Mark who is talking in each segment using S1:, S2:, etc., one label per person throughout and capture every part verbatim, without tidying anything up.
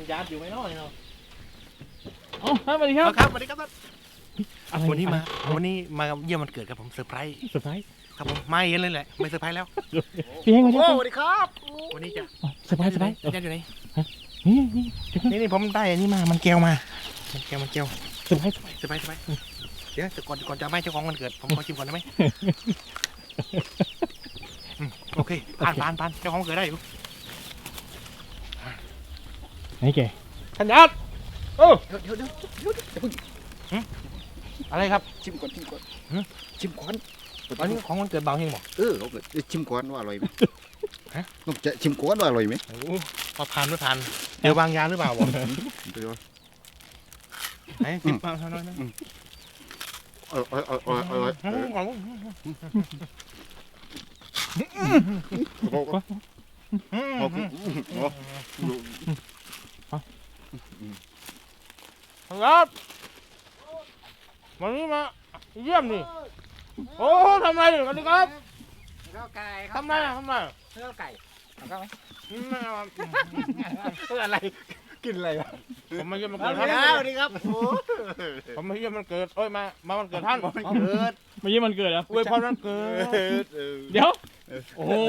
S1: ญาติอยู่ไหมน้อยเนาะ
S2: อ๋อสวัสดีครับ
S1: ครับสวัสดีครับ
S2: อะไร
S1: วันนี้มา
S2: อะไร
S1: วันนี้มาเยี่ยมวันเกิดครับผมเซอร์ไพรส์
S2: เซอร์ไพรส์
S1: ครับผมไม่เห็นเลยแหละไม่เซอร์ไพรส์แล้ว
S2: พี่เฮงมา
S3: โอ้
S2: เจ้า
S3: สวัสดีครับ
S1: วันนี้จะ
S2: เซอร์ไพรส์เซอร์ไพรส์
S1: ญาติอยู่ไหน
S2: นี่นี่เดี๋ยวก่อน
S1: นี่นี่ผมได้อันนี้มามันแก้วมามันแก้วมันแก้ว
S2: เซอร์ไพรส์เซอร์ไพรส์
S1: เซอร์ไพรส์เซอร์ไพรส์เดี๋ยวก่อนก่อนจะไม่เจ้าของวันเกิดผมขอชิมก่อนได้ไหมอืมโอเคผ่านผ่านผ่านเจ้าของวันเกิดได้อยู่
S2: ไหนแก
S1: ท่านญาติโอ้
S3: เดี๋ยวเดี๋ยวเดี๋ยวเดี๋ยวเดี๋ยวเพิ่ง
S1: อะไรครับ
S3: ชิมก่อนชิมก่อน
S1: หืม
S3: ชิมก่อน
S1: อันนี้ของวันเกิดเบาเฮงบอก
S3: เออเอาเกิดชิมก่อนว่าอร่อยไหม
S1: ฮะ
S3: ต้องจะชิมก่อนว่าอร่อยไหม
S1: โอ้โหพอผ่านไม่ผ่านเดี๋ยววางยาหรือเปล่าบอก
S3: เดี๋ยว
S1: ไหนจิบมาเท่านั้นนะ
S3: อร่อยอร่อยอร่อยอร่อย
S1: อืมของ
S3: โอ้โห
S1: อืม
S3: โอ้โหโอ้โห
S1: ครับวันนี้มาเยี่ยมนี่โอ้ทำไรสวัสดีครับ
S3: ข้าวไก่
S1: ทำไรอะทำไร
S3: ข้าวไก่ข้าวไหม
S1: อืมไม่เอา
S3: เอออะไรกินอะไรวะ
S1: ผมมาเยี่ยมมัน
S3: ส
S1: เกิด
S3: วั
S1: ท่าน
S3: สดีครับโอ้
S1: ผมมาเยี่ยมมันเกิดเอ้ยมามาวันเกิดท่าน
S3: เกิด
S2: เมื่อกี้มันเกิดแล้ว
S1: อวยพรวันเกิด
S2: เดี๋ยวโอ้โห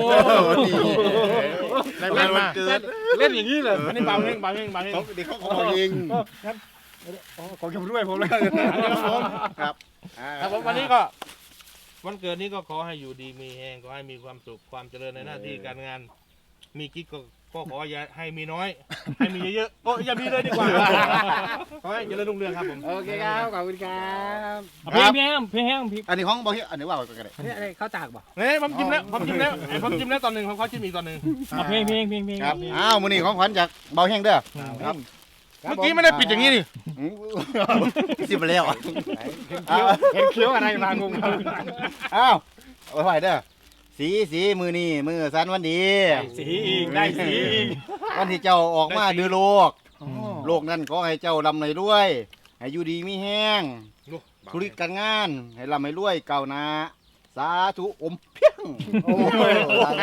S1: ได้มามา
S3: เล่นอย่างนี้เลย
S1: อันนี้เบาเฮงเบาเฮงเบาเฮง
S3: เขาเด็กเขาของเองของชมด้วยผมเลย
S1: ครับผม
S3: ครับ
S1: ครับผมวันนี้ก็วันเกิดนี้ก็ขอให้อยู่ดีมีแหงขอให้มีความสุขความเจริญในหน้าที่การงาน มีกิ๊กก็ก็ขออย่าให้มีน้อย ให้มีเยอะๆโอ้ยอย่ามีเลยดีกว่าขอให้เจริญรุ่งเรืองครับผม
S3: โอเคครับขอบคุณครับ
S2: เอาพี่พี่แฮงพี่แฮงพี่
S3: อันนี้ของบอกที่อันนี้ว่ากันเลย
S4: นี่อะไรข้าวจากบ่
S1: เนี่ยผมจิ้มแล้วผมจิ้มแล้วไอ้ผมจิ้มแล้วตอนหนึ่งผมขอจิ้มอีกตอนหนึ่ง
S2: เอาเพลงเพลงเพลงเพลง
S3: ครับอ้าวมื้อนี้ของขวัญจากเบาแห้งเด้อครับ
S1: เมื่อกี้ไม่ได้ปิดอย่างนี้นี่
S3: สิบไปแล้ว
S4: เห็นเคี้ยวอะไรมางง
S3: อ้าวเอาไว้เด้อสีสีมือนี่มือสันวันดี
S4: สีอีกได้สีอีก
S3: วันที่เจ้าออกมาดูโลก โลกนั้นขอให้เจ้าลำเลยด้วย ให้อยู่ดีมีแห้งธุรกิจการงาน ให้ลำให้รวยเก่าวหนาสาธุอมเพียงโอ้ย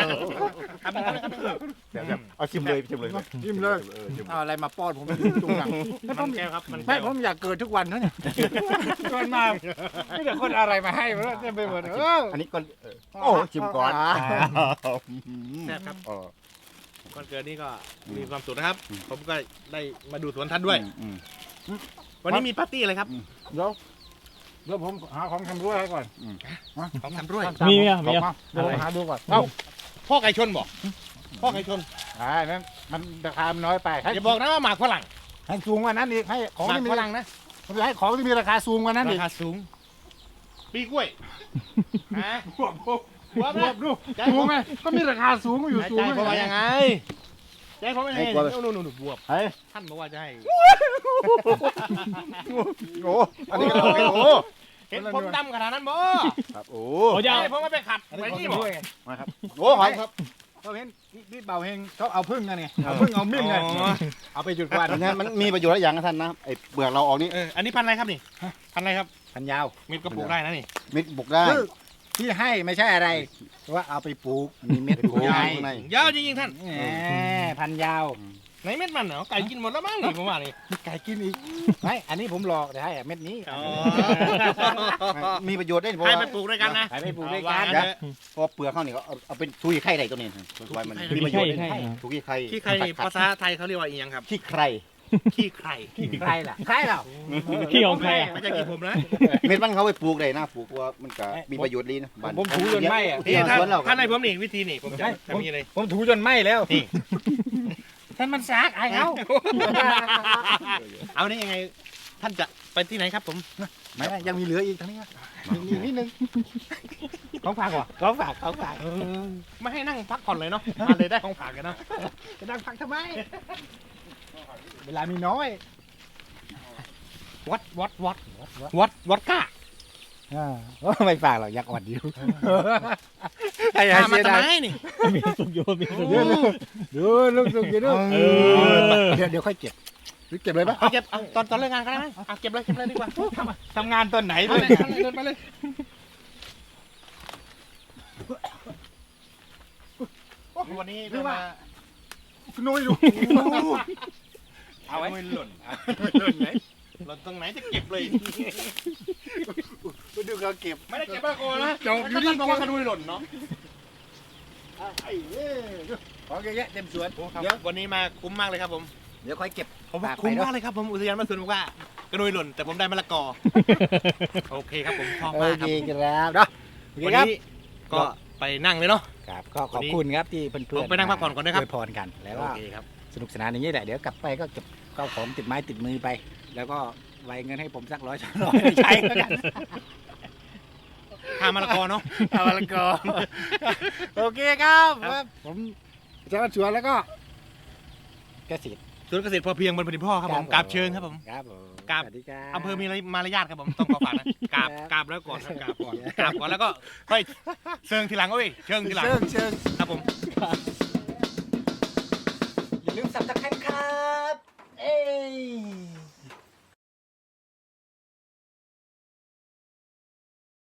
S3: เอาชิมเลยชิมเลย
S4: ยิ้มเลยเอาอะไรมาป้อนผมจุงหลัง
S1: มันแก้วครับมัน
S4: ไม่
S1: แก้ว
S4: ผมอยากเกิดทุกวันนะเนี่ยเกิดมาไม่แต่คนอะไรมาให้มันเต็มไปหมดเออ
S3: อันนี้ก็โอ้ชิมก่อน
S1: แซ่บครับ
S3: อ๋อ
S1: วันเกิดนี้ก็มีความสุขนะครับ ผมก็ได้มาดูสวนท่านด้วย
S3: อืม
S1: วันนี้มีปาร์ตี้อะไรครับ
S4: เดี๋ยวเดี๋ยวผมหาของทำด้วยให้ก่อน
S1: ของทำด้วย
S2: มีไหมอะมีอะ
S4: เดี๋ยวผมหาดูก่อน
S1: เอ้าพ่อไก่ชนบอกพ่อไก่ชน
S4: อ่านั่นมันราคามันน้อยไปให้
S1: อย่าบอกนะว่าหมากฝรั่ง
S4: ให้สูงกว่านั้นอีกให้ของ
S1: หมาก
S4: ที่มี
S1: ฝรั่งนะ
S4: ผมจะให้ของที่มีราคาสูงกว่านั้นอี
S1: ราก คาสูง ปีกล้วยฮะ
S4: บวบ
S1: หัว
S4: บว
S1: นะ
S4: บดูสูงไหมก็มีราคาสูงอยู่สูง
S1: ใจผมว่ายังไงใจผมไม่ให้นู่นนู่นบวบ
S3: เฮ้ย
S1: ท่านบอกว่าจะให้
S3: โอ้อันนี้ก็โอ้
S1: เห็นผมดำขนาดนั้นบ่
S3: ครับโอ้
S2: โอ้ยเอา
S1: ให้ผมไม่ไปขัดไปนี่บ่
S3: มาครับโอ้หอยครับ
S4: เขาเห็นนี่เบาเฮงเขาเอาพึ่งกันไงเอาพึ่งเอามิ่งไงเอาไปจุดควัน
S3: อันนี้มันมีประโยชน์หลายอย่างนะท่านนะไอ้เปลือกเราออกนี่
S1: เอออันนี้พันอะไรครับนี่พันอะไรครับ
S4: พันยาว
S1: เม็ดก็ปลูกได้นะนี่
S3: เม็ดบุกได้
S4: คือที่ให้ไม่ใช่อะไรว่าเอาไปปลูกมีเม็ด
S3: ปลูก
S4: ใหญ่
S3: ข้างใน
S1: ยาวจริงๆท่าน
S4: แหมพันยาว
S1: ไหนเม็ดมันเหรอไก่กินหมดแล้วมั้งนี่ผมว่านี่
S4: มีไก่กินอีกไม่อันนี้ผมหลอกแต่ให้เม็ดนี้
S3: มีประโยชน์ได้เพราะ
S1: ให้
S3: ว่า
S1: ไปปลูกด้วยกันนะ
S4: ให้ไปปลูกด้วยกัน
S1: เอาวาง
S3: เพราะเปลือกเขาเนี่ยเขาเอาเป็นทุยไข่ใดตัวนี้ไว้มันมีประโยชน์
S2: ใช่ใช่
S3: ทุยไข่
S1: ขี้ใครภาษาไทยเขาเรียกว่าอีหยังครับ
S3: ขี้ใคร
S1: ขี้ใคร
S4: ใครล่ะใครล่ะ
S2: ขี้ของใครอะ
S1: ไม่ใช่ขี้ผมนะ
S3: เม็ดมันเขาไปปลูกได้นะปลูกว่ามันก็มีประโยชน์ดีนะบ้าน
S4: ผมถูจนไหมอ่ะ
S1: นี่
S3: ที่
S1: ท่าน
S3: สวนเรา
S1: ท่านให้ผมนี่วิธีนี่ผมจะ
S4: ให้ผม
S1: ทำยังไง
S4: ผมถูจนไหมแล้ว
S1: นี่
S4: ท่านมันซากไอ้เขา
S1: เอานี่ยังไงท่านจะไปที่ไหนครับผม
S4: ไม่ไม่ยังมีเหลืออีกทั้งนี้ยังมีนิดนึงของฝากวะของฝากของฝาก
S1: ไม่ให้นั่งพักผ่อนเลยเนาะมาเลยได้ของฝากกันเนาะ
S4: จะนั่งพักทำไมเวลามีน้อย
S1: วัดวัดวัดวัดวัดก้า
S4: อ่าไม่ฝากหรอกอยากอ่อนอยู่ไอ้
S1: พามา
S4: เสีย
S1: ทำ
S4: ดาย
S1: ไมนี่
S2: มีสุกโยนมีสุกโย
S4: เดี๋ยวน ดูลูกสุกเดี๋ยวดู
S2: เออ
S4: เดี๋ยวเดี๋ยวค่อยเก็บหรือเก็บเลยปะ
S1: เอาเก็บเอาตอนตอนเลิกงานก็ได้ไหมเอาเก็บเลยเก็บเลยดีกว่า
S4: ทำงานตอนไหน
S1: ไป
S4: ด้ว
S1: เลย ยเดินไปเลย วันนี้เรามา
S4: คุณนุ้ยดูเอาไว้
S1: ไม่หล่น
S4: ไม่หล่นไหน
S1: หล่นตรงไหนจะเก็บเลย
S4: ไปดูเขาเก็บ
S1: ไม่ได้เก็บมากกว่านะ
S4: จบอยู่นี่
S1: บอกว่ากระดุยหล่นเนาะ
S4: ไอ้เอ้ยของเยอะแยะเต็มสวน
S1: ครับ
S4: เดี๋ยว
S1: วันนี้มาคุ้มมากเลยครับผม
S4: เดี๋ยวค่อยเก็บ
S1: ผม
S4: ฝากไป
S1: คุ้ม
S4: เนอะ
S1: มากเลยครับผมอุทยานบ้านสวนบอกว่ากระดุยหล่นแต่ผมได้มะละกอ โอเคครับผมชอบ
S4: โอ
S1: มากค
S4: เครับ ครับเนาะโอเค
S1: วัน
S4: ครับ
S1: นี้ก็ไปนั่งเลยเนาะ
S4: ครับก็ขอบคุณครับที่เพื่อนๆ
S1: ผมไปนั่งพักผ่อนก่อนนะครับ
S4: อวยพรกันแล้ว
S1: โอ
S4: ก็
S1: เคครับ
S4: สนุกสนานอย่างนี้แหละเดี๋ยวกลับไปก็เก็บข้าวของติดไม้ติดมือไป แล้วก็ไว้เงินให้ผมสักร้อยสองร้อยใช้แล้วกัน
S1: ข้ามมะละกอเนาะ
S4: เอาละก็โอเคครับครับผมอาจารย์ชวนแล้วก็เกษตร
S1: สวนเกษตรพอเพียงบนแผ่นดินพ่อครับผมกราบเชิญครับผม
S4: ครับผม
S1: กราบ
S4: สวัสดีครับ
S1: อำเภอมีมารยาทครับผมต้องขอฝากนะกราบกราบแล้วก่อนกราบก่อนกราบก่อนแล้วก็ค่อยเชิงทีหลังเอ้ยเชิงทีหลัง
S4: เชิงเชิง
S1: ครับผม
S4: อย่าลืมสับตะไคร้ครับ